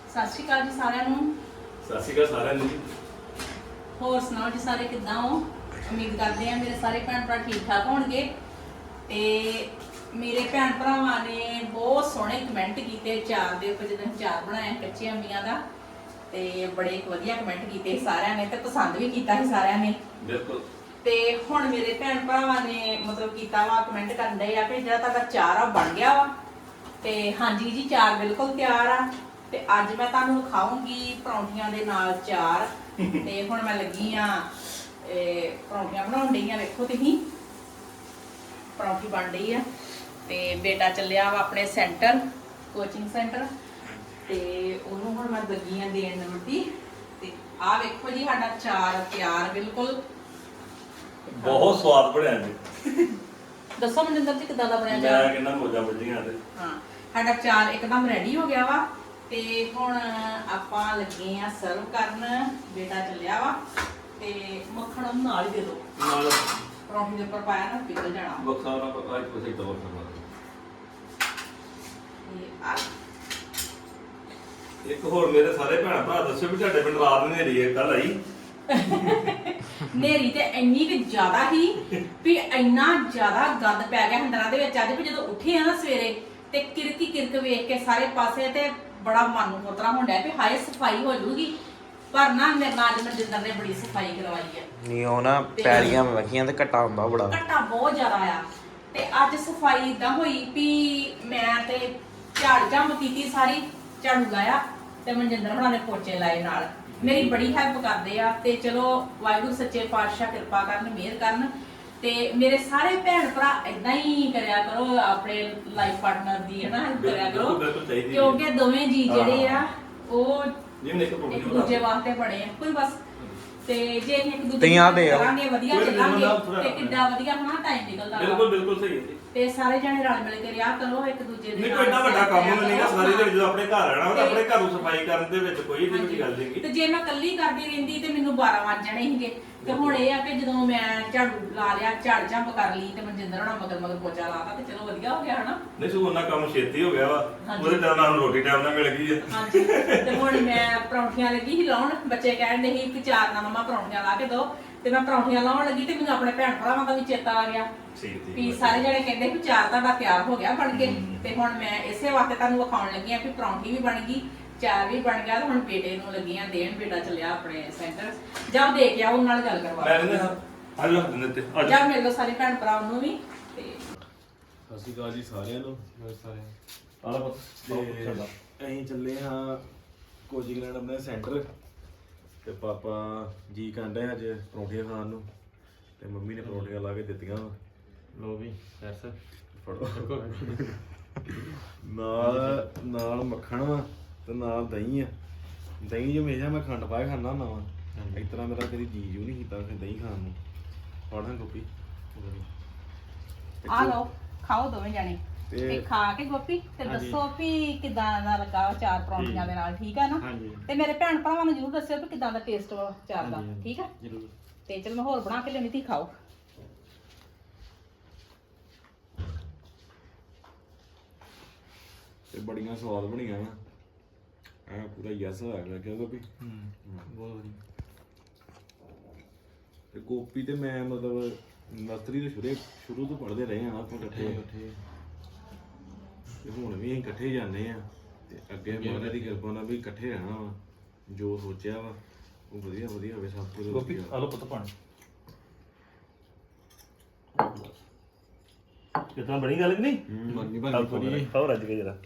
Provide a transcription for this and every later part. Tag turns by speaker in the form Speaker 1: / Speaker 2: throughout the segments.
Speaker 1: ਸਤਿ ਸ਼੍ਰੀ ਅਕਾਲ ਜੀ ਸਾਰਿਆਂ ਨੂੰ।
Speaker 2: ਸਤਿ ਸ਼੍ਰੀ ਅਕਾਲ ਸਾਰਿਆਂ ਨੂੰ ਜੀ।
Speaker 1: ਹੋਰ ਸੁਣਾਓ ਜੀ ਸਾਰੇ ਕਿੱਦਾਂ ਹੋ? ਉਮੀਦ ਕਰਦੇ ਆ ਮੇਰੇ ਸਾਰੇ ਭੈਣ ਭਰਾ ਠੀਕ ਠਾਕ ਹੋਣਗੇ। ਤੇ ਮੇਰੇ ਭੈਣ ਭਰਾਵਾਂ ਨੇ ਬਹੁਤ ਸੋਹਣੇ ਕਮੈਂਟ ਕੀਤੇ ਚਾਰ ਦੇ ਉੱਪਰ, ਜਦੋਂ ਚਾਰ ਬਣਾਇਆ ਕੱਚੇ ਅੰਬੀਆਂ ਦਾ, ਤੇ ਬੜੇ ਵਧੀਆ ਕਮੈਂਟ ਕੀਤੇ ਸਾਰਿਆਂ ਨੇ ਤੇ ਪਸੰਦ ਵੀ ਕੀਤਾ ਸੀ ਸਾਰਿਆਂ ਨੇ।
Speaker 2: ਬਿਲਕੁਲ।
Speaker 1: ਤੇ ਹੁਣ ਮੇਰੇ ਭੈਣ ਭਰਾਵਾਂ ਨੇ ਮਤਲਬ ਕੀਤਾ ਵਾ, ਕਮੈਂਟ ਕਰਨ ਦੇ ਆ ਕਿ ਜਿਹੜਾ ਤੁਹਾਡਾ ਚਾਰ ਆ ਬਣ ਗਿਆ ਵਾ। ਤੇ ਹਾਂਜੀ ਜੀ, ਚਾਰ ਬਿਲਕੁਲ ਤਿਆਰ ਆ। ਤੇ ਅੱਜ ਮੈਂ ਤੁਹਾਨੂੰ ਦਿਖਾਉਂਗੀ ਪਰੌਂਠੀਆਂ ਦੇ ਨਾਲ ਚਾਰ। ਤੇ ਹੁਣ ਮੈਂ ਲੱਗੀ ਆ ਪਰੌਂਠੀਆਂ ਬਣਾਉਣ ਡਈ ਆ। ਵੇਖੋ ਤੁਸੀਂ ਪਰੌਂਠੀ ਬਣ ਰਹੀ ਆ। ਤੇ ਬੇਟਾ ਚੱਲਿਆ ਵਾ ਆਪਣੇ ਸੈਂਟਰ, ਕੋਚਿੰਗ ਸੈਂਟਰ, ਤੇ ਉਹਨੂੰ ਹੁਣ ਮੈਂ ਲੱਗੀ ਆ ਦੇਣ ਰੋਟੀ। ਤੇ ਆਹ ਵੇਖੋ ਜੀ ਸਾਡਾ ਚਾਰ ਤਿਆਰ ਬਿਲਕੁਲ।
Speaker 2: ਬਹੁਤ ਸਵਾਦ ਬਣਿਆ ਜੀ।
Speaker 1: ਦੱਸੋ ਮਨਿੰਦਰ ਜੀ ਕਿੱਦਾਂ ਦਾ ਬਣਿਆ
Speaker 2: ਮੈਂ
Speaker 1: ਚਾਰ?
Speaker 2: ਕਹਿੰਦਾ ਮੋਜਾਂ ਵੱਜੀਆਂ ਤੇ
Speaker 1: ਹਾਂ, ਸਾਡਾ ਚਾਰ ਇੱਕਦਮ ਰੈਡੀ ਹੋ ਗਿਆ ਵਾ। ਤੇ ਹੁਣ ਆਪਾਂ ਲੱਗੇ ਆ ਸਰਵ ਕਰਨ। ਬੇਟਾ ਚੱਲਿਆ ਵਾ ਤੇ ਮੱਖਣ ਉਹਨੂੰ ਨਾਲ ਹੀ ਦੇ ਦਿਓ।
Speaker 2: ਨਾਲ
Speaker 1: ਪਰੌਂਠੀ ਦੇ ਉੱਪਰ ਪਾਇਆ ਨਾ ਪਿਘਲ ਜਾਣਾ।
Speaker 2: ਬਖਸ਼ਾ ਨਾ ਪਤਾ ਹੀ ਕੁਛ ਇਦਾਂ ਵਰਤਣਾ। ਇੱਕ ਹੋਰ ਮੇਰੇ ਸਾਰੇ ਭੈਣ ਭਰਾ ਦੱਸਿਓ ਵੀ ਤੁਹਾਡੇ ਪਿੰਡ ਰਾਤ ਹਨੇਰੀ ਹੈ ਕੱਲ ਆਈ?
Speaker 1: ਨੇਰੀ ਤੇ ਇੰਨੀ ਕਿ ਜ਼ਿਆਦਾ ਹੀ ਵੀ ਇੰਨਾ ਜ਼ਿਆਦਾ ਗੰਦ ਪੈ ਗਿਆ ਹੰਡਰਾਂ ਦੇ ਵਿੱਚ ਅੱਜ ਵੀ ਜਦੋਂ ਉੱਠੇ ਆ ਨਾ ਸਵੇਰੇ ਤੇ ਕਿਰਕੀ ਕਿਰਕ ਵੇਖ ਕੇ ਸਾਰੇ ਪਾਸੇ ਤੇ ਬੜਾ ਮਨ ਨੂੰ ਖੋਤਰਾ ਹੁੰਦਾ ਵੀ ਹਾਏ ਸਫਾਈ ਹੋ ਜੂਗੀ। ਪਰ ਨਾ ਮੇਰੇ ਨਾਲ ਅੱਜ ਮਨਜਿੰਦਰ ਨੇ ਬੜੀ ਸਫਾਈ ਕਰਵਾਈ ਆ।
Speaker 3: ਨਹੀਂ ਉਹ ਨਾ ਪੈਲੀਆਂ ਵਖੀਆਂ ਤੇ ਘਟਾ ਹੁੰਦਾ ਬੜਾ।
Speaker 1: ਘਟਾ ਬਹੁਤ ਜ਼ਿਆਦਾ ਆ। ਤੇ ਅੱਜ ਸਫਾਈ ਇਦਾਂ ਹੋਈ ਵੀ ਮੈਂ ਤੇ ਝਾੜ ਝੰਬ ਕੀਤੀ ਸਾਰੀ, ਝਾੜੂ ਲਾਇਆ ਤੇ ਮਨਜਿੰਦਰ ਹੁਣਾਂ ਨੇ ਪੋਚੇ ਲਾਏ ਨਾਲ। ਮੇਰੀ ਬੜੀ ਹੈਲਪ ਕਰਦੇ ਆ। ਤੇ ਚਲੋ ਵਾਹਿਗੁਰੂ ਸੱਚੇ ਪਾਤਸ਼ਾਹ ਕਿਰਪਾ ਕਰਨ, ਮਿਹਰ ਕਰਨ। ਤੇ ਮੇਰੇ ਸਾਰੇ ਭੈਣ ਭਰਾ ਇਦਾਂ ਹੀ ਕਰਿਆ ਕਰੋ, ਆਪਣੇ ਲਾਈਫ ਪਾਰਟਨਰ ਦੀ ਹੈ ਨਾ ਹੈਲਪ ਕਰਿਆ ਕਰੋ, ਕਿਉਂਕਿ ਦੋਵੇਂ ਜੀ ਜਿਹੜੇ ਆ ਉਹ ਇੱਕ ਦੂਜੇ ਵਾਸਤੇ ਬਣੇ ਆ। ਕੋਈ ਬਸ ਤੇ ਜੇ ਇੱਕ ਦੂਜੇ ਕਰਾਂਗੇ ਵਧੀਆ ਚੱਲਾਂਗੇ ਤੇ ਕਿੱਡਾ ਵਧੀਆ ਹਨਾ ਟਾਈਮ ਨਿਕਲਦਾ।
Speaker 2: ਬਿਲਕੁਲ ਬਿਲਕੁਲ ਸਹੀ ਹੈ ਜੀ।
Speaker 1: ਤੇ ਸਾਰੇ ਜਣੇ ਰਲ ਮਿਲ ਕੇ ਰਿਹਾ ਕਰੋ ਇੱਕ ਦੂਜੇ ਦੇ
Speaker 2: ਨਹੀਂ ਕੋਈ ਏਡਾ ਵੱਡਾ ਕੰਮ ਨਹੀਂਗਾ। ਸਾਰੇ ਦੇ ਜਦੋਂ ਆਪਣੇ ਘਰ ਰਹਿਣਾ ਤਾਂ ਆਪਣੇ ਘਰ ਨੂੰ ਸਫਾਈ ਕਰਨ ਦੇ ਵਿੱਚ ਕੋਈ ਏਡੀ ਵੱਡੀ ਗੱਲ ਨਹੀਂ।
Speaker 1: ਤੇ ਜੇ ਮੈਂ ਇਕੱਲੀ ਕਰਦੀ ਰਹਿੰਦੀ ਤੇ ਮੈਨੂੰ 12 ਵੱਜ ਜਾਣੇ ਸੀਗੇ। ਤੇ ਹੁਣ ਇਹ ਆ ਕਿ ਜਦੋਂ ਮੈਂ ਝਾੜੂ ਲਾ ਲਿਆ, ਝਾੜ ਝੰਬ ਕਰ ਲਈ ਤੇ ਮਨਜਿੰਦਰ ਹੋਣਾ ਮਗਰ ਮਗਰ ਪੋਚਾ ਲਾਤਾ ਤੇ ਚਲੋ ਵਧੀਆ ਹੋ ਗਿਆ ਹਨਾ।
Speaker 2: ਨਹੀਂ ਸੋ ਉਹਨਾਂ ਕੰਮ ਛੇਤੀ ਹੋ ਗਿਆ ਵਾ। ਉਹਦੇ ਟਾਈਮ ਨਾਲ ਰੋਟੀ ਟਾਈਮ ਨਾਲ ਮਿਲ ਗਈ ਹੈ।
Speaker 1: ਹਾਂਜੀ। ਤੇ ਹੁਣ ਮੈਂ ਪਰੌਂਠੀਆਂ ਲੱਗੀ ਸੀ ਲਾਉਣ। ਬੱਚੇ ਕਹਿੰਦੇ ਸੀ ਕਿ ਚਾਰ ਨਾ ਮਮਾ ਪਰੌਂਠੀਆਂ ਲਾ ਕੇ ਦਿਓ। ਤੇ ਮੈਂ ਪਰੌਂਠੀਆਂ ਲਾਉਣ ਲੱਗੀ ਤੇ ਮੈਨੂੰ ਆਪਣੇ ਭੈਣ ਭਰਾਵਾਂ ਦਾ ਵੀ ਚੇਤਾ ਆ ਗਿਆ ਵੀ ਸਾਰੇ ਜਣੇ ਕਹਿੰਦੇ ਵੀ ਚਾਰ ਤੁਹਾਡਾ ਤਿਆਰ ਹੋ ਗਿਆ ਬਣ ਕੇ। ਤੇ ਹੁਣ ਮੈਂ ਇਸੇ ਵਾਸਤੇ ਤੁਹਾਨੂੰ ਵਿਖਾਉਣ ਲੱਗੀ ਆ ਵੀ ਪਰੌਂਠੀ ਵੀ ਬਣ ਗਈ, ਚਾਰ ਵੀ ਬਣ ਗਿਆ। ਤੇ ਹੁਣ ਬੇਟੇ ਨੂੰ ਲੱਗੀਆਂ ਦੇਣ। ਬੇਟਾ ਚੱਲਿਆ ਆਪਣੇ ਸੈਂਟਰ। ਜਾ ਦੇ ਕੇ ਆ ਉਹਨਾਂ ਨਾਲ ਗੱਲ ਕਰਵਾ।
Speaker 2: ਮੈਂ ਕਹਿੰਦਾ ਅੱਜ ਲੱਗ ਦਿੰਦੇ ਤੇ
Speaker 1: ਜਾ ਮਿਲ ਲਓ ਸਾਰੇ ਭੈਣ ਭਰਾ ਨੂੰ ਵੀ। ਤੇ
Speaker 4: ਸਤਿ ਸ਼੍ਰੀ ਅਕਾਲ ਜੀ ਸਾਰਿਆਂ ਨੂੰ।
Speaker 2: ਆਲਾ ਪਤਾ
Speaker 4: ਅਸੀਂ ਚੱਲੇ ਹਾਂ ਕੋਚਿੰਗ ਲੈਣ ਆਪਣੇ ਸੈਂਟਰ। ਤੇ ਪਾਪਾ ਜੀ ਕਹਿੰਦੇ ਅੱਜ ਪਰੌਂਠੀਆਂ ਖਾਣ ਨੂੰ, ਤੇ ਮੰਮੀ ਨੇ ਪਰੌਂਠੀਆਂ ਲਾ ਕੇ ਦਿੱਤੀਆਂ।
Speaker 5: ਲੋ ਵੀ ਸੈਰਸ
Speaker 4: ਫੜੋ ਨਾਲ ਨਾਲ ਮੱਖਣ ਵਾ ਤੇ ਨਾਲ ਦਹੀਂ ਆ। ਦਹੀਂ ਜੋ ਹਮੇਸ਼ਾ ਮੈਂ ਖੰਡ ਪਾ ਕੇ ਖਾਂਦਾ ਹੁੰਦਾ ਵਾ। ਇਸ ਤਰ੍ਹਾਂ ਮੇਰਾ ਕਦੀ ਜੀ ਜੂ ਨਹੀਂ ਕੀਤਾ ਦਹੀਂ ਖਾਣ ਨੂੰ। ਫੜਾਂ ਗੋਪੀ
Speaker 1: ਆ ਲਓ ਖਾਓ ਦੋਵੇਂ ਜਣੇ ਤੇ ਖਾ ਕੇ ਗੋਪੀ ਤੇ ਦੱਸੋ ਵੀ ਕਿਦਾਂ ਦਾ ਲੱਗਾ ਚਾਰ ਪਰੌਂਠੀਆਂ ਦੇ ਨਾਲ। ਠੀਕ ਆ ਨਾ? ਤੇ ਮੇਰੇ ਭੈਣ ਭਰਾਵਾਂ ਨੂੰ ਜਰੂਰ ਦੱਸਿਓ ਵੀ ਕਿਦਾਂ ਦਾ ਟੇਸਟ ਵਾ ਚਾਰ ਦਾ। ਠੀਕ ਆ
Speaker 5: ਜਰੂਰ।
Speaker 1: ਤੇ ਚਲ ਮੈਂ ਹੋਰ ਬਣਾ ਕੇ ਲਿਆਉਣੀ, ਤੁਸੀਂ ਖਾਓ।
Speaker 4: ਤੇ ਬੜੀਆਂ ਸਵਾਦ ਬਣੀਆਂ ਵਾ। ਐ ਪੂਰਾ ਯਸ ਹੋਇਆ ਲੱਗਿਆ ਗੋਪੀ।
Speaker 5: ਬਹੁਤ ਵਧੀਆ।
Speaker 4: ਤੇ ਗੋਪੀ ਤੇ ਮੈਂ ਮਤਲਬ ਨਰਸਰੀ ਦੇ ਸ਼ੁਰੂ ਤੋਂ ਪੜ੍ਹਦੇ ਰਹੇ ਆ ਆਪਾਂ ਇਕੱਠੇ। ਤੇ ਹੁਣ ਵੀ ਅਸੀਂ ਇਕੱਠੇ ਜਾਂਦੇ ਆ। ਤੇ ਅੱਗੇ ਮਹਾਰਾਜ ਦੀ ਕਿਰਪਾ ਨਾਲ ਵੀ ਇਕੱਠੇ ਰਹਿਣਾ ਵਾ। ਜੋ ਸੋਚਿਆ ਵਾ ਉਹ ਵਧੀਆ ਵਧੀਆ ਹੋਵੇ ਸਭ ਕੁਝ।
Speaker 2: ਗੋਪੀ ਆਲੋ ਪਤਾ ਪਾਣੀ ਕਿਤਨਾ ਬੜੀ ਗੱਲ ਕਿ ਨਹੀਂ
Speaker 4: ਮੰਨੀ ਬਣੀ ਪੂਰੀ।
Speaker 2: ਖਾਓ ਰੱਜ ਕੇ ਜਰਾ।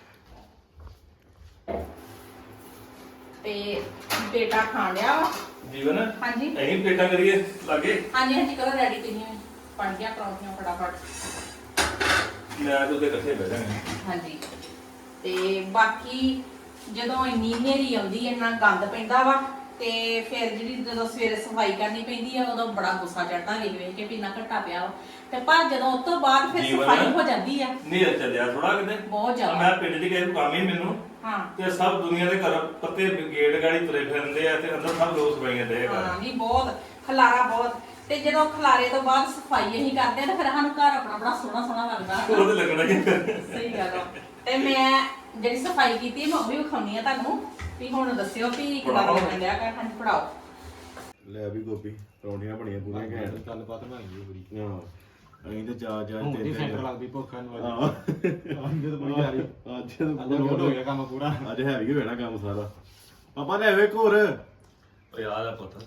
Speaker 1: ਤੇ ਬੇਟਾ ਖਾਣ ਡਿਆ ਵਾ।
Speaker 2: ਜੀਵਨ
Speaker 1: ਹਾਂਜੀ
Speaker 2: ਅਸੀਂ ਪਲੇਟਾਂ ਕਰੀਏ ਲਾਗੇ।
Speaker 1: ਹਾਂਜੀ ਹਾਂਜੀ ਕਰੋ ਰੈਡੀ। ਤੁਸੀਂ ਬਣ ਗਿਆ ਪਰੌਂਠੀਆਂ ਫਟਾਫਟ।
Speaker 2: ਮੈਂ ਤੇ ਉਹਦੇ ਇਕੱਠੇ ਬਹਿ ਜਾਵਾਂਗੇ।
Speaker 1: ਹਾਂਜੀ। ਤੇ ਬਾਕੀ ਜਦੋਂ ਇੰਨੀ ਹਨੇਰੀ ਆਉਂਦੀ, ਇੰਨਾ ਗੰਦ ਪੈਂਦਾ ਵਾ, ਤੇ ਫਿਰ ਜਿਹੜੀ ਜਦੋਂ ਸਵੇਰੇ ਸਫਾਈ ਕਰਨੀ ਪੈਂਦੀ ਆ ਉਦੋਂ ਬੜਾ ਗੁੱਸਾ ਚੜਦਾ ਵੇਖ ਵੇਖ ਕੇ ਵੀ ਇੰਨਾ ਘੱਟਾ ਪਿਆ ਵਾ। ਤੇ ਪਰ ਜਦੋਂ ਉਸ ਤੋਂ ਬਾਅਦ ਫਿਰ ਸਫਾਈ ਹੋ ਜਾਂਦੀ ਆ।
Speaker 2: ਨਹੀਂ ਚੱਲਿਆ ਥੋੜਾ ਕਿਤੇ
Speaker 1: ਬਹੁਤ ਜ਼ਿਆਦਾ।
Speaker 2: ਮੈਂ ਪਿੰਡ 'ਚ ਗਏ ਕੰਮ ਹੀ ਮੈਨੂੰ।
Speaker 1: ਹਾਂ
Speaker 2: ਤੇ ਸਭ ਦੁਨੀਆ ਦੇ ਘਰ ਪੱਤੇ ਗੇਟ ਗਾੜੀ ਤੁਰੇ ਫਿਰਦੇ ਆ ਤੇ ਅੰਦਰ ਸਭ ਲੋਕ ਸਫਾਈਆਂ ਦੇ ਘਰ।
Speaker 1: ਹਾਂ ਨਹੀਂ ਬਹੁਤ ਖਲਾਰਾ ਬਹੁਤ। ਤੇ ਜਦੋਂ ਖਲਾਰੇ ਤੋਂ ਬਾਅਦ ਸਫਾਈ ਅਸੀਂ ਕਰਦੇ ਆ ਤੇ ਫਿਰ ਸਾਨੂੰ ਘਰ ਆਪਣਾ ਬੜਾ ਸੋਹਣਾ ਸੋਹਣਾ ਲੱਗਦਾ।
Speaker 2: ਉਹਦੇ ਲੱਗਣਾ ਕਿ
Speaker 1: ਸਹੀ ਗੱਲ ਆ। ਤੇ ਮੈਂ ਜਿਹੜੀ ਸਫਾਈ ਕੀਤੀ ਮੈਂ ਉਹ ਵੀ ਵਿਖਾਉਣੀ ਆ ਤੁਹਾਨੂੰ ਵੀ ਹੁਣ ਦੱਸਿਓ ਵੀ ਕਿਦਾਂ ਲੱਗਣ ਡਿਆ ਕਰ ਹਾਂਜੀ ਪੜਾਓ।
Speaker 4: ਲੈ ਵੀ ਗੋਪੀ ਪਰੌਂਠੀਆਂ ਬਣੀਆਂ ਪੂਰੀਆਂ ਘੈਂਟ।
Speaker 5: ਗੱਲਬਾਤ ਬਣ ਗਈ ਪੂਰੀ।
Speaker 4: ਹਾਂ ਅਸੀਂ ਤੇ ਚਾਰ
Speaker 5: ਹੁਣ
Speaker 4: ਤਿੰਨ
Speaker 5: ਦੀ ਸੈਂਟਰ
Speaker 4: ਤਿੰਨ
Speaker 5: ਲੱਗਦੀ ਭੁੱਖਾਂ ਨੂੰ
Speaker 4: ਹਾਂ
Speaker 5: ਅੱਜ ਤਾਂ ਬੜੀ ਜਾ ਰਹੀ
Speaker 4: ਅੱਜ
Speaker 5: ਅੱਜ ਲੋਡ ਹੋ ਗਿਆ ਕੰਮ ਪੂਰਾ।
Speaker 4: ਅੱਜ ਹੈਵੀ ਹੋ ਜਾਣਾ ਕੰਮ ਸਾਰਾ। ਪਾਪਾ ਲੈ ਵੇ ਘੋਰ
Speaker 2: ਯਾਦ ਆ ਪੁੱਤ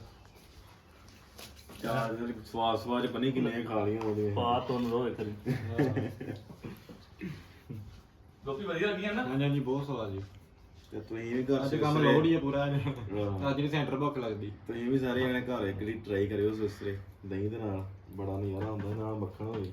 Speaker 4: ਚਾਰ ਸਵਾਦ ਸਵਾਦ ਪਨੀ ਕਿੰਨੇ ਖਾ ਲਈਆਂ ਉਹਦੇ
Speaker 2: ਪਾ ਤੁਨ ਰੋ ਇੱਕ ਗੋਪੀ ਵਧੀਆ ਲੱਗੀਆਂ ਨਾ।
Speaker 5: ਹਾਂਜੀ ਬਹੁਤ ਸਵਾਦ ਜੀ।
Speaker 4: ਤੇ ਤੁਸੀਂ ਵੀ ਘਰ
Speaker 5: ਅੱਜ ਕੰਮ ਲੋਡ ਹੀ ਆ ਪੂਰਾ ਅੱਜ
Speaker 4: ਹਾਂ।
Speaker 5: ਅੱਜ ਵੀ ਸੈਂਟਰ ਭੁੱਖ ਲੱਗਦੀ।
Speaker 4: ਤੁਸੀਂ ਵੀ ਸਾਰੇ ਜਣੇ ਘਰ ਇੱਕ ਵਾਰੀ ਟਰਾਈ ਕਰਿਓ ਸਵੇਰੇ ਦਹੀਂ ਦੇ ਨਾਲ ਬੜਾ ਨਜ਼ਾਰਾ ਹੁੰਦਾ ਨਾਲ ਮੱਖਣ ਹੋਵੇ।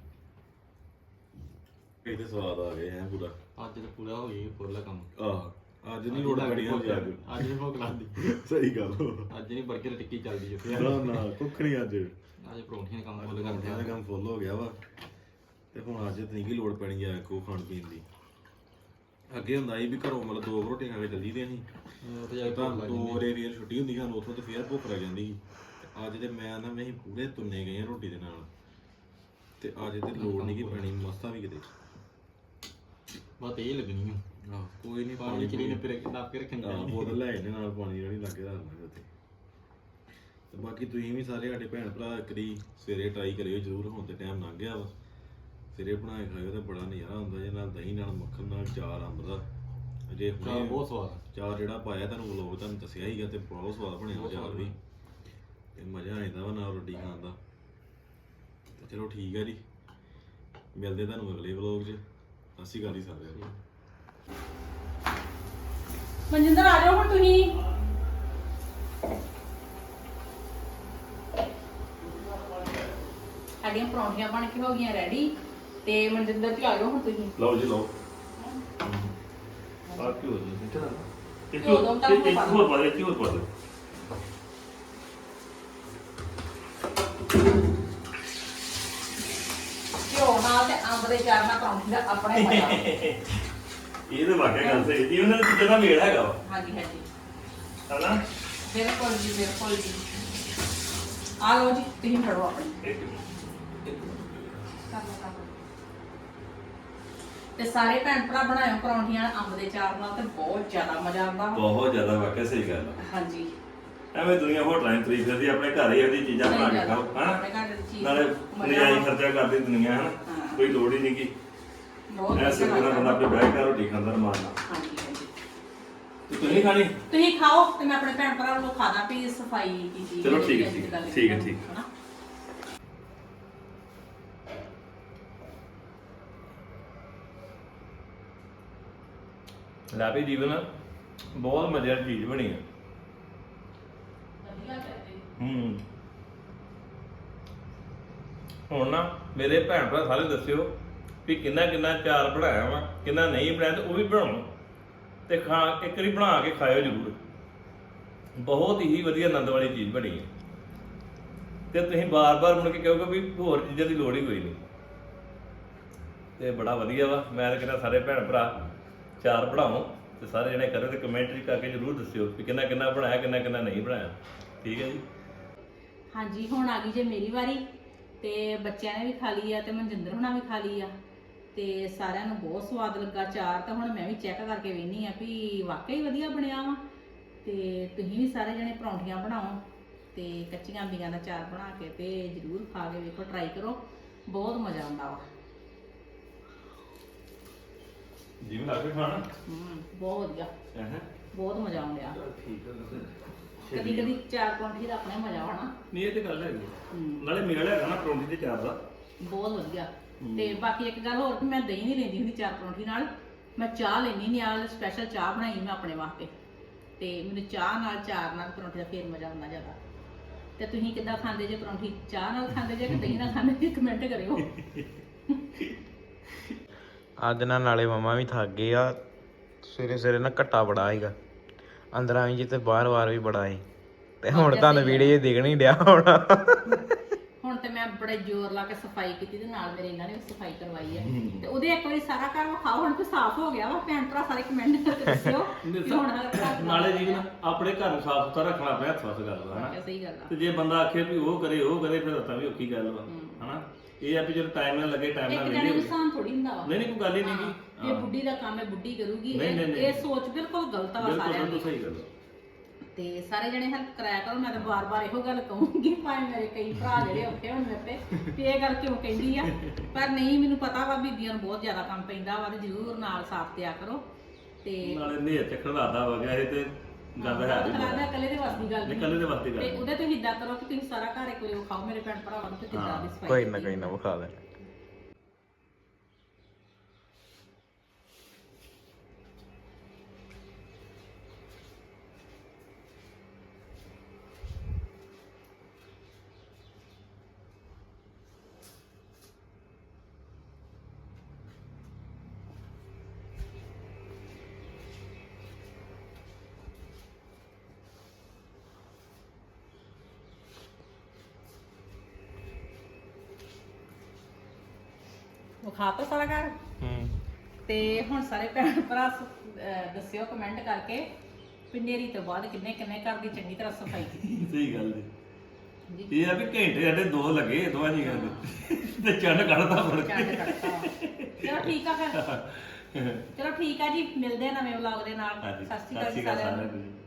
Speaker 4: ਇਹ ਤੇ ਸਵਾਦ ਆ ਗਏ ਹੈ ਪੂਰਾ।
Speaker 5: ਅੱਜ ਤਾਂ ਪੂਰਾ ਹੋ ਗਿਆ ਫੁੱਲ ਕੰਮ।
Speaker 4: ਆਹ ਅੱਜ ਨਹੀਂ ਲੋੜ ਬੜੀ ਹੁੰਦੀ ਅੱਜ
Speaker 5: ਅੱਜ ਵੀ ਭੁੱਖ ਲੱਗਦੀ।
Speaker 4: ਸਹੀ ਗੱਲ
Speaker 5: ਅੱਜ ਨਹੀਂ 버ਗਰ ਟਿੱਕੀ ਚੱਲਦੀ ਜਿੱਥੇ
Speaker 4: ਨਾ ਨਾ ਕੁੱਖ ਨਹੀਂ ਅੱਜ
Speaker 5: ਅੱਜ ਪਰੌਂਠੀਆਂ ਦਾ ਕੰਮ ਫੁੱਲ ਕਰਦੇ
Speaker 4: ਦਾ ਕੰਮ ਫੁੱਲ ਹੋ ਗਿਆ ਵਾ ਤੇ ਹੁਣ ਅੱਜ ਤੇ ਨਹੀਂ ਕੀ ਲੋੜ ਪੈਣੀ ਆ ਕੋ ਖਾਣ ਪੀਣ ਦੀ। ਅੱਗੇ ਹੁੰਦਾ ਸੀ ਵੀ ਘਰੋਂ ਮਤਲਬ 2 ਰੋਟੀਆਂ ਖਾ ਕੇ ਚੱਲੀ ਦੇ ਅਸੀਂ
Speaker 5: ਉੱਥੇ ਜਾ ਕੇ
Speaker 4: ਤਾਂ
Speaker 5: ਭੁੱਖ ਲੱਗ
Speaker 4: 2
Speaker 5: ਜਾਂਦੀ।
Speaker 4: ਵਜੇ ਫੇਰ ਛੁੱਟੀ ਹੁੰਦੀ ਸਾਨੂੰ ਉੱਥੋਂ ਤੇ ਫੇਰ ਭੁੱਖ ਲੱਗ ਜਾਂਦੀ ਸੀ। ਤੇ ਅੱਜ ਤੇ ਮੈਂ ਨਾ ਅਸੀਂ ਪੂਰੇ ਤੁੰਨੇ ਗਏ ਆ ਰੋਟੀ ਦੇ ਨਾਲ ਤੇ ਅੱਜ ਤੇ ਲੋੜ ਨਹੀਂ ਕੀ ਪੈਣੀ ਮਸਤਾ ਵੀ ਕਿਤੇ।
Speaker 5: ਬਸ ਇਹ ਲੱਗਣੀ ਆ।
Speaker 4: ਆਹ ਕੋਈ ਨਹੀਂ
Speaker 5: ਪਾਣੀ ਕਿਹੜੀ ਨੇ ਫਿਰ ਨੱਪ ਕੇ ਰੱਖਣੀ
Speaker 4: ਆਹ ਬੋਤਲ ਲੈ ਇਹਦੇ ਨਾਲ ਪਾਣੀ ਜਿਹੜੀ ਲੱਗੇ ਰੱਖਣਾ ਉੱਥੇ। ਤੇ ਬਾਕੀ ਤੁਸੀਂ ਵੀ ਸਾਰੇ ਸਾਡੇ ਭੈਣ ਭਰਾ ਕਰੀ ਸਵੇਰੇ ਟਰਾਈ ਕਰਿਓ ਜ਼ਰੂਰ। ਹੁਣ ਤੇ ਟਾਈਮ ਲੰਘ ਗਿਆ ਵਾ ਸਵੇਰੇ ਬਣਾ ਕੇ ਖਾਇਓ ਤੇ ਬੜਾ ਨਜ਼ਾਰਾ ਹੁੰਦਾ ਜੇ ਨਾਲ ਦਹੀਂ ਨਾਲ ਮੱਖਣ ਨਾਲ ਚਾਰ ਅੰਬ ਦਾ। ਅਜੇ
Speaker 5: ਚਾਹ
Speaker 4: ਹੁਣੇ
Speaker 5: ਬਹੁਤ ਸਵਾਦ।
Speaker 4: ਚਾਰ ਜਿਹੜਾ ਪਾਇਆ ਤੁਹਾਨੂੰ ਵਲੋਗ ਤੁਹਾਨੂੰ ਦੱਸਿਆ ਹੀਗਾ ਤੇ ਬਹੁਤ ਸਵਾਦ ਬਣਿਆ ਚਾਰ ਵੀ ਤੇ ਮਜ਼ਾ ਆ ਜਾਂਦਾ ਵਾ ਨਾਲ ਰੋਟੀ ਖਾਣ ਦਾ। ਤੇ ਚਲੋ ਠੀਕ ਹੈ ਜੀ ਮਿਲਦੇ ਤੁਹਾਨੂੰ ਅਗਲੇ ਵਲੋਗ 'ਚ। ਸਤਿ ਸ਼੍ਰੀ ਅਕਾਲ ਜੀ ਸਾਰਿਆਂ ਨੂੰ।
Speaker 1: ਮਨਜਿੰਦਰ ਆ ਜਾਓ ਹੁਣ ਤੁਸੀਂ। ਸਾਡੀਆਂ ਪਰੌਂਠੀਆਂ ਬਣ ਕੇ ਹੋ ਗਈਆਂ ਰੈਡੀ ਤੇ ਮਨਜਿੰਦਰ ਜੀ ਆ ਜਾਓ ਹੁਣ ਤੁਸੀਂ।
Speaker 2: ਲਓ ਜੀ ਲਓ ਆ ਕੀ ਹੋ ਰਿਹਾ ਬੇਟਾ ਇੱਕ
Speaker 1: ਘਿਓ ਦੋ ਤਾਂ
Speaker 2: ਹੋਰ ਪਾ ਦੇ ਇੱਕ ਹੋਰ ਪਾ ਦੇ।
Speaker 1: ਘਿਓ ਨਾਲ ਤੇ ਅੰਬ ਦੇ ਚਾਰ ਨਾਲ ਪਰੌਂਠੀ ਦਾ ਆਪਣਾ ਹੀ ਮਜ਼ਾ।
Speaker 2: ਇਹ ਤਾਂ ਵਾਕਿਆ ਗੱਲ ਸਹੀ ਜੀ ਉਹਨਾਂ ਦੇ ਚੀਜ਼ਾਂ ਦਾ ਮੇਲ ਹੈਗਾ ਵਾ
Speaker 1: ਹਾਂਜੀ ਹਾਂਜੀ
Speaker 2: ਹਨਾ।
Speaker 1: ਬਿਲਕੁਲ ਜੀ ਬਿਲਕੁਲ ਜੀ। ਆ ਲਓ ਜੀ ਤੁਸੀਂ ਫੜੋ ਆਪਣੀ।
Speaker 2: ਇੱਕ
Speaker 1: ਕਰ ਲਓ, ਕਰ ਲਓ। ਤੇ ਸਾਰੇ ਭੈਣ ਭਰਾ ਬਣਾਇਓ ਪਰੌਂਠੀਆਂ ਅੰਬ ਦੇ ਚਾਰ ਨਾਲ ਤੇ ਬਹੁਤ ਜ਼ਿਆਦਾ ਮਜ਼ਾ ਆਉਂਦਾ ਵਾ।
Speaker 2: ਬਹੁਤ ਜ਼ਿਆਦਾ ਵਾਕਿਆ ਸਹੀ ਗੱਲ ਆ।
Speaker 1: ਹਾਂਜੀ
Speaker 2: ਐਵੇਂ ਦੁਨੀਆ ਹੋਟਲਾਂ 'ਚ ਤਰੀਫ ਕਰਦੀ ਆਪਣੇ ਘਰ ਹੀ ਇਹਦੀ ਚੀਜ਼ਾਂ ਬਣਾ ਕੇ ਖਾਓ ਹਨਾ।
Speaker 1: ਆਪਣੇ ਘਰ ਦੀ ਚੀਜ਼
Speaker 2: ਨਾਲੇ ਨਜਾਇਜ਼ ਖਰਚਾ ਕਰਦੀ ਦੁਨੀਆ ਹਨਾ।
Speaker 1: ਹਾਂ।
Speaker 2: ਕੋਈ ਲੋੜ ਹੀ ਨਹੀਂ ਕੀ
Speaker 1: ਬਹੁਤ
Speaker 2: ਐਸੇ
Speaker 1: ਵਧੀਆ
Speaker 2: ਤਰ੍ਹਾਂ ਬੰਦਾ
Speaker 1: ਲੱਗਦਾ।
Speaker 2: ਆਪੇ ਬਹਿ ਕੇ ਰੋਟੀ ਖਾਂਦਾ ਰਮਾਨਾ।
Speaker 1: ਹਾਂਜੀ ਹਾਂਜੀ
Speaker 2: ਤੇ ਤੁਸੀਂ ਖਾਣੀ
Speaker 1: ਤੁਸੀਂ ਖਾਓ ਤੇ ਮੈਂ ਆਪਣੇ ਭੈਣ ਭਰਾ ਨੂੰ ਖਾਦਾ ਵੀ ਸਫਾਈ ਕੀਤੀ।
Speaker 2: ਚਲੋ ਠੀਕ ਹੈ, ਠੀਕ ਹੈ, ਠੀਕ ਹੈ, ਠੀਕ ਹੈ।
Speaker 1: ਹਨਾ।
Speaker 2: ਲੈ ਵੀ ਜੀਵਨ ਬਹੁਤ ਮਜ਼ੇਦਾਰ ਚੀਜ਼ ਬਣੀ ਹੈ।
Speaker 1: ਵਧੀਆ ਕਰਦੇ।
Speaker 2: ਹੁਣ ਨਾ ਮੇਰੇ ਭੈਣ ਭਰਾ ਸਾਰੇ ਦੱਸਿਓ ਵੀ ਕਿੰਨਾ ਕਿੰਨਾ ਚਾਰ ਬਣਾਇਆ ਵਾ ਕਿੰਨਾ ਨਹੀਂ ਬਣਾਇਆ ਤੇ ਉਹ ਵੀ ਬਣਾਉਣਾ ਤੇ ਖਾ ਇੱਕ ਵਾਰੀ ਬਣਾ ਕੇ ਖਾਇਓ ਜ਼ਰੂਰ। ਬਹੁਤ ਹੀ ਵਧੀਆ ਆਨੰਦ ਵਾਲੀ ਚੀਜ਼ ਬਣੀ ਹੈ ਤੇ ਤੁਸੀਂ ਬਾਰ-ਬਾਰ ਮੁੜ ਕੇ ਕਹੋਗੇ ਵੀ ਹੋਰ ਚੀਜ਼ਾਂ ਦੀ ਲੋੜ ਹੀ ਕੋਈ ਨਹੀਂ। ਤੇ ਬੜਾ ਵਧੀਆ ਵਾ। ਮੈਂ ਤਾਂ ਕਹਿੰਦਾ ਸਾਰੇ ਭੈਣ ਭਰਾ ਚਾਰ ਬਣਾਓ ਤੇ ਸਾਰੇ ਜਣੇ ਕਰੋ ਤੇ ਕਮੈਂਟ ਵੀ ਕਰਕੇ ਜ਼ਰੂਰ ਦੱਸਿਓ ਵੀ ਕਿੰਨਾ ਕਿੰਨਾ ਬਣਾਇਆ ਕਿੰਨਾ ਕਿੰਨਾ ਨਹੀਂ ਬਣਾਇਆ। ਠੀਕ ਹੈ ਜੀ।
Speaker 1: ਹਾਂਜੀ ਹੁਣ ਆ ਗਈ ਜੇ ਮੇਰੀ ਵਾਰੀ ਤੇ ਬੱਚਿਆਂ ਨੇ ਵੀ ਖਾ ਲਈ ਆ ਤੇ ਮਨਜਿੰਦਰ ਹੁਣਾਂ ਵੀ ਖਾ ਲਈ ਆ ਤੇ ਸਾਰਿਆਂ ਨੂੰ ਬਹੁਤ ਸਵਾਦ ਲੱਗਾ ਚਾਰ। ਤਾਂ ਹੁਣ ਮੈਂ ਵੀ ਚੈੱਕ ਕਰਕੇ ਵੇਖਨੀ ਆ ਵੀ ਵਾਕਈ ਵਧੀਆ ਬਣਿਆ ਵਾ। ਤੇ ਤੁਸੀਂ ਵੀ ਸਾਰੇ ਜਣੇ ਪਰੌਂਠੀਆਂ ਬਣਾਓ ਤੇ ਕੱਚੀਆਂ ਅੰਬੀਆਂ ਦਾ ਚਾਰ ਬਣਾ ਕੇ ਤੇ ਜ਼ਰੂਰ ਖਾ ਕੇ ਵੇਖੋ, ਟਰਾਈ ਕਰੋ, ਬਹੁਤ ਮਜ਼ਾ ਆਉਂਦਾ ਵਾ।
Speaker 2: ਜਿਵੇਂ ਲੱਗ ਕੇ ਖਾਣਾ
Speaker 1: ਬਹੁਤ ਵਧੀਆ,
Speaker 2: ਹੈ
Speaker 1: ਬਹੁਤ ਮਜ਼ਾ ਆਉਂਦਾ।
Speaker 2: ਠੀਕ ਹੈ।
Speaker 1: ਕਦੀ ਕਦੀ ਚਾਰ ਪਰੌਂਠੀ ਦਾ ਆਪਣਾ ਹੀ ਮਜ਼ਾ ਵਾ ਨਾ।
Speaker 2: ਨਹੀਂ ਇਹ ਤੇ ਗੱਲ ਹੈਗੀ ਨਾਲੇ ਮੇਲ ਹੈਗਾ ਨਾ ਪਰੌਂਠੀ ਤੇ ਚਾਰ ਦਾ
Speaker 1: ਬਹੁਤ ਵਧੀਆ। ਤੇ ਬਾਕੀ ਇੱਕ ਗੱਲ ਹੋਰ ਕਿ ਮੈਂ ਦਹੀਂ ਨਹੀਂ ਲੈਂਦੀ ਹੁੰਦੀ ਚਾਰ ਪਰੌਂਠੀ ਨਾਲ, ਮੈਂ ਚਾਹ ਲੈਣੀ ਨਾਲ ਸਪੈਸ਼ਲ ਚਾਹ ਬਣਾਈ ਮੈਂ ਆਪਣੇ ਵਾਸਤੇ ਤੇ ਮੈਨੂੰ ਚਾਹ ਨਾਲ ਚਾਰ ਨਾਲ ਪਰੌਂਠੀ ਦਾ ਫੇਰ ਮਜ਼ਾ ਆਉਂਦਾ ਜ਼ਿਆਦਾ। ਤੇ ਤੁਸੀਂ ਕਿੱਦਾਂ ਖਾਂਦੇ ਜੇ ਪਰੌਂਠੀ? ਚਾਹ ਨਾਲ ਖਾਂਦੇ ਜੇ ਕਿ ਦਹੀਂ ਨਾਲ ਖਾਂਦੇ ਜੇ? ਕਮੈਂਟ ਕਰਿਓ।
Speaker 3: ਅੱਜ ਨਾ ਨਾਲੇ ਮਮਾ ਵੀ ਥੱਕ ਗਏ ਆ। ਸਵੇਰੇ ਸਵੇਰੇ ਨਾ ਘੱਟਾ ਬੜਾ ਸੀਗਾ ਅੰਦਰਾਂ ਵੀ ਜੀ ਤੇ ਬਾਹਰ ਵੀ ਬੜਾ ਸੀ ਤੇ ਹੁਣ ਤੁਹਾਨੂੰ ਵੀਡੀਓ ਦਿਖ ਨਹੀਂ ਡਿਆ ਹੋਣਾ।
Speaker 1: ਹੁਣ ਤੇ ਮੈਂ ਬੜੇ ਜ਼ੋਰ ਲਾ ਕੇ ਸਫਾਈ ਕੀਤੀ ਤੇ ਨਾਲ ਮੇਰੇ ਇਹਨਾਂ ਨੇ ਵੀ ਸਫਾਈ ਕਰਵਾਈ ਹੈ ਤੇ ਉਹਦੇ ਇੱਕ ਵਾਰੀ ਸਾਰਾ ਘਰ ਵਿਖਾਓ ਹੁਣ ਤੇ ਸਾਫ਼ ਹੋ ਗਿਆ ਵਾ। ਭੈਣ ਭਰਾ ਸਾਰੇ ਕਮੈਂਟ ਕਰਕੇ ਦੱਸਿਓ ਕਿ ਹੁਣ
Speaker 2: ਨਾਲੇ ਜੀ ਆਪਣੇ ਘਰ ਨੂੰ ਸਾਫ਼ ਸੁਥਰਾ ਰੱਖਣਾ ਪਿਆ ਹੱਥ ਵਸ ਗੱਲ ਵਾ ਹਨਾ।
Speaker 1: ਸਹੀ ਗੱਲ ਆ।
Speaker 2: ਤੇ ਜੇ ਬੰਦਾ ਆਖੇ ਵੀ ਉਹ ਕਰੇ ਫਿਰ ਤਾਂ ਵੀ ਔਖੀ ਗੱਲ ਵਾ ਹਨਾ। ਇਹ ਆ ਵੀ ਜਦੋਂ ਟਾਈਮ ਨਾਲ ਲੱਗੇ ਟਾਈਮ
Speaker 1: ਇੱਕ
Speaker 2: ਨਾਲ
Speaker 1: ਜਣੇ
Speaker 2: ਵੇਲੇ
Speaker 1: ਨੂੰ ਸਾਨ ਥੋੜੀ ਹੁੰਦਾ ਵਾ
Speaker 2: ਨਹੀਂ ਨਹੀਂ ਕੋਈ ਗੱਲ ਹੀ ਨਹੀਂ
Speaker 1: ਹਾਂ,
Speaker 2: ਕੀ
Speaker 1: ਇਹ ਬੁੱਢੀ ਦਾ ਕੰਮ ਹੈ ਬੁੱਢੀ ਕਰੂਗੀ
Speaker 2: ਨਹੀਂ, ਨਹੀਂ, ਨਹੀਂ।
Speaker 1: ਇਹ ਸੋਚ ਬਿਲਕੁਲ ਗਲਤ ਵਾ
Speaker 2: ਬਿਲਕੁਲ
Speaker 1: ਸਾਰਿਆਂ
Speaker 2: ਬਿਲਕੁਲ
Speaker 1: ਦੀ
Speaker 2: ਸਹੀ ਗੱਲ ਆ।
Speaker 1: ਤੇ ਸਾਰੇ ਜਣੇ ਹੈਲਪ ਕਰਾਇਆ ਕਰੋ ਮੈਂ ਤਾਂ ਬਾਰ-ਬਾਰ ਇਹੋ ਗੱਲ ਕਹੂੰਗੀ ਭਾਵੇਂ ਮੇਰੇ ਕਈ ਭਰਾ ਜਿਹੜੇ ਔਖੇ ਹੋਣ ਮੇਰੇ ਤੇ ਵੀ ਇਹ ਗੱਲ ਕਿਉਂ ਕਹਿੰਦੀ ਆ ਪਰ ਨਹੀਂ ਮੈਨੂੰ ਪਤਾ ਵਾ ਬੀਬੀਆਂ ਨੂੰ ਬਹੁਤ ਜ਼ਿਆਦਾ ਕੰਮ ਪੈਂਦਾ ਵਾ ਤੇ ਜ਼ਰੂਰ ਨਾਲ ਸਾਥ ਦਿਆ ਕਰੋ ਤੇ
Speaker 2: ਨਾਲੇ ਨੇਰ ਚੱਕਰ ਦਾਦਾ ਵਗਿਆ ਇਹ ਤੇ ਗੱਲ ਹੈ ਵੀ
Speaker 1: ਕਰਾਦਾ ਇਕੱਲੇ ਦੇ ਵੱਸ ਦੀ ਗੱਲ ਨਹੀਂ
Speaker 2: ਨਿਕਲਣੇ ਦੇ ਵਾਸਤੇ
Speaker 1: ਤੇ
Speaker 2: ਗੱਲ
Speaker 1: ਉਹਦੇ ਤੁਸੀਂ ਇਦਾਂ ਕਰੋ ਕਿ ਤੁਸੀਂ ਸਾਰਾ ਘਰ ਇੱਕ ਵਾਰੀ ਖਾਓ ਮੇਰੇ ਭੈਣ ਭਰਾਵਾਂ ਨੂੰ ਤੇ ਕਿੱਦਾਂ ਦੀ ਸਫਾਈ
Speaker 3: ਕੋਈ ਨਾ ਵਿਖਾ ਦੇ
Speaker 1: ਵਿਖਾ ਤਾ ਸਾਰਾ ਘਰ ਤੇ ਹੁਣ ਸਾਰੇ ਭੈਣ ਭਰਾ ਦੱਸਿਓ ਕਮੈਂਟ ਕਰਕੇ ਵੀ ਨੇਰੀ ਤੋਂ ਬਾਅਦ ਕਿੰਨੇ ਕਿੰਨੇ ਘਰ ਦੀ ਚੰਗੀ ਤਰ੍ਹਾਂ ਸਫਾਈ ਕੀਤੀ
Speaker 2: ਸਹੀ ਗੱਲ ਜੀ
Speaker 1: ਜੀ
Speaker 2: ਇਹ ਆ ਵੀ ਘੰਟੇ ਸਾਡੇ 2 ਲੱਗੇ ਦੋਵਾਂ ਜੀ ਕਰਦੇ ਤੇ ਚੰਡ ਕੱਢਦਾ ਫੜ
Speaker 1: ਚੰਡ
Speaker 2: ਕੇ
Speaker 1: ਕੱਟਤਾ ਚਲੋ ਠੀਕ ਆ ਫਿਰ ਚਲੋ ਠੀਕ ਆ ਜੀ ਮਿਲਦੇ ਆ ਨਵੇਂ ਵਲੌਗ ਦੇ ਨਾਲ
Speaker 2: ਹਾਂਜੀ
Speaker 1: ਸਤਿ ਸ਼੍ਰੀ ਅਕਾਲ ਜੀ
Speaker 2: ਸਤਿ ਸ਼੍ਰੀ ਅਕਾਲ
Speaker 1: ਸਾਰਿਆਂ
Speaker 2: ਸਾਰਿਆਂ
Speaker 1: ਨੂੰ
Speaker 2: ਨੂੰ